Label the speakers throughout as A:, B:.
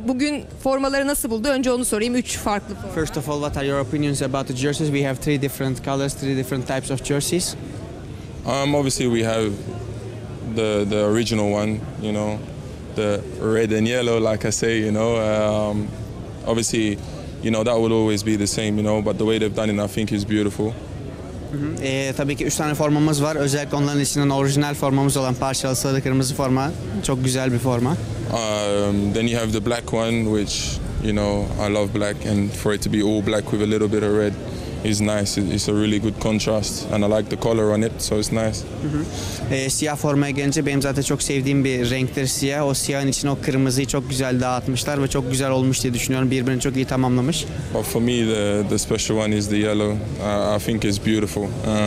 A: bugün formaları nasıl buldu? Önce onu sorayım. 3 farklı forma.
B: First of all, what are your opinions about the jerseys? We have three different colors, three different types of jerseys.
C: Obviously we have the original one, you know, the red and yellow, like I say, you know. Obviously, you know, that will always be the same, you know, but the way they've done it, I think, is beautiful.
B: Tabii ki 3 tane formamız var. Özellikle onların içinden orijinal formamız olan parçalı sarı kırmızı forma. Çok güzel bir forma.
C: Then you have the black one, which, you know, I love black, and for it to be all black with a little bit of red is nice. It's a really good contrast, and I like the color on it, so it's nice.
B: Siyah formaya gelince benim zaten çok sevdiğim bir renktir siyah. O siyahın içine o kırmızıyı çok güzel dağıtmışlar ve çok güzel olmuş diye düşünüyorum. Birbirini çok iyi tamamlamış.
C: But for me, the special one is the yellow. I think it's beautiful.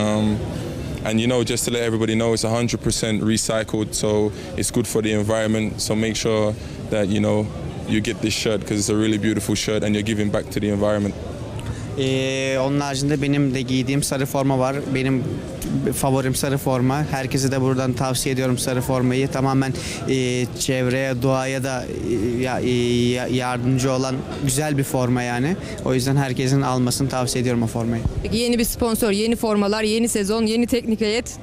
C: And you know, just to let everybody know, it's 100% recycled, so it's good for the environment. So make sure that, you know, you get this shirt because it's a really beautiful shirt and you're giving back to the environment.
B: Onun haricinde benim de giydiğim sarı forma var. Benim favorim sarı forma. Herkese de buradan tavsiye ediyorum sarı formayı. Tamamen çevreye, doğaya da yardımcı olan güzel bir forma yani. O yüzden herkesin almasını tavsiye ediyorum o formayı.
A: Peki yeni bir sponsor, yeni formalar, yeni sezon, yeni teknik heyet.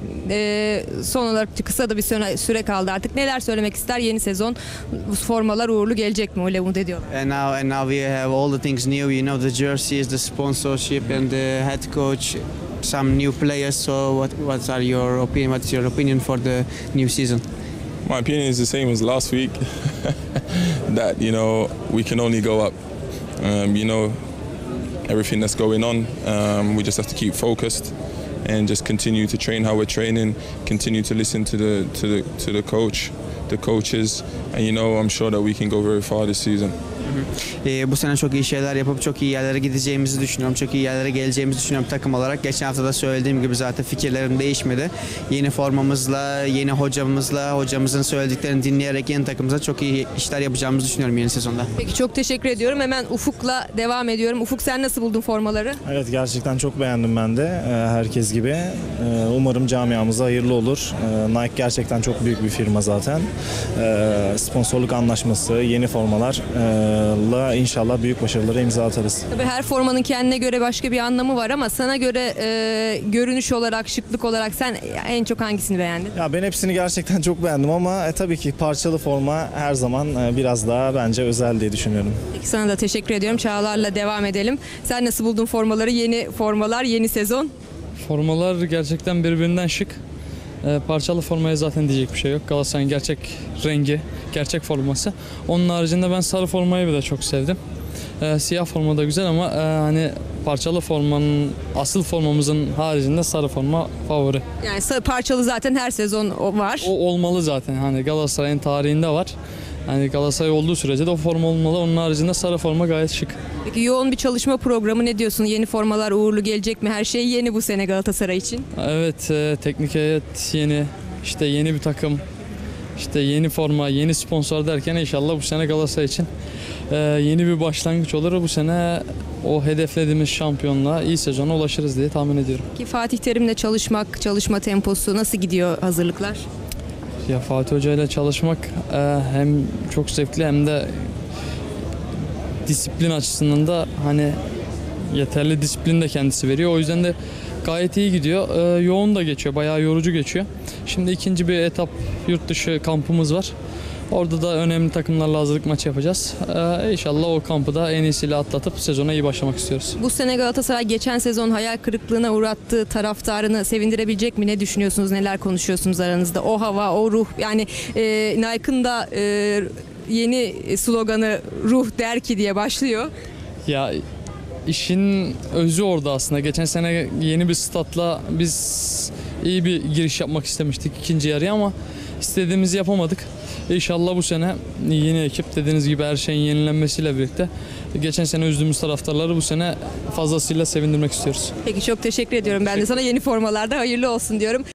A: Son olarak kısa da bir süre kaldı artık. Neler söylemek ister yeni sezon? Bu formalar uğurlu gelecek mi? Öyle umut ediyorum.
B: And now we have all the things new. You know, the jerseys, the sponsorship and the head coach, some new players. So what are your opinion? What's your opinion for the new season?
C: My opinion is the same as last week. That, you know, we can only go up. You know, everything that's going on, we just have to keep focused and just continue to train how we're training. Continue to listen to the coach, the coaches, and you know, I'm sure that we can go very far this season.
B: Bu sene çok iyi şeyler yapıp çok iyi yerlere gideceğimizi düşünüyorum. Çok iyi yerlere geleceğimizi düşünüyorum takım olarak. Geçen hafta da söylediğim gibi zaten fikirlerim değişmedi. Yeni formamızla, yeni hocamızla, hocamızın söylediklerini dinleyerek yeni takımımıza çok iyi işler yapacağımızı düşünüyorum yeni sezonda.
A: Peki çok teşekkür ediyorum. Hemen Ufuk'la devam ediyorum. Ufuk, sen nasıl buldun formaları?
D: Evet, gerçekten çok beğendim ben de herkes gibi. Umarım camiamıza hayırlı olur. Nike gerçekten çok büyük bir firma zaten. Sponsorluk anlaşması, yeni formalarla inşallah büyük başarılara imza atarız.
A: Tabii her formanın kendine göre başka bir anlamı var ama sana göre görünüş olarak, şıklık olarak sen en çok hangisini beğendin?
D: Ya ben hepsini gerçekten çok beğendim ama tabii ki parçalı forma her zaman biraz daha bence özel diye düşünüyorum.
A: Peki sana da teşekkür ediyorum. Çağlar'la devam edelim. Sen nasıl buldun formaları? Yeni formalar, yeni sezon.
E: Formalar gerçekten birbirinden şık. Parçalı formaya zaten diyecek bir şey yok. Galatasaray'ın gerçek rengi, gerçek forması. Onun haricinde ben sarı formayı bir de çok sevdim. Siyah forma da güzel ama hani parçalı formanın, asıl formamızın haricinde sarı forma favori.
A: Yani parçalı zaten her sezon var.
E: O olmalı zaten. Hani Galatasaray'ın tarihinde var. Yani Galatasaray olduğu sürece de o forma olmalı. Onun haricinde sarı forma gayet şık.
A: Peki yoğun bir çalışma programı, ne diyorsun? Yeni formalar uğurlu gelecek mi? Her şey yeni bu sene Galatasaray için.
E: Evet, teknik heyet yeni, işte yeni bir takım, işte yeni forma, yeni sponsor derken inşallah bu sene Galatasaray için yeni bir başlangıç olur. Bu sene o hedeflediğimiz şampiyonluğa, iyi sezona ulaşırız diye tahmin ediyorum.
A: Ki Fatih Terim'le çalışma temposu nasıl gidiyor, hazırlıklar?
E: Ya Fatih Hoca ile çalışmak hem çok zevkli hem de disiplin açısından da hani yeterli disiplin de kendisi veriyor. O yüzden de gayet iyi gidiyor. Yoğun da geçiyor, bayağı yorucu geçiyor. Şimdi ikinci bir etap yurt dışı kampımız var. Orada da önemli takımlarla hazırlık maçı yapacağız. İnşallah o kampı da en iyisiyle atlatıp sezona iyi başlamak istiyoruz.
A: Bu sene Galatasaray geçen sezon hayal kırıklığına uğrattığı taraftarını sevindirebilecek mi? Ne düşünüyorsunuz? Neler konuşuyorsunuz aranızda? O hava, o ruh. Yani Nike'ın da yeni sloganı "Ruh der ki" diye başlıyor.
E: Ya işin özü orada aslında. Geçen sene yeni bir statla biz iyi bir giriş yapmak istemiştik ikinci yarıya ama istediğimizi yapamadık. İnşallah bu sene yeni ekip, dediğiniz gibi her şeyin yenilenmesiyle birlikte geçen sene üzdüğümüz taraftarları bu sene fazlasıyla sevindirmek istiyoruz.
A: Peki çok teşekkür ediyorum. Ben de sana yeni formalarda hayırlı olsun diyorum.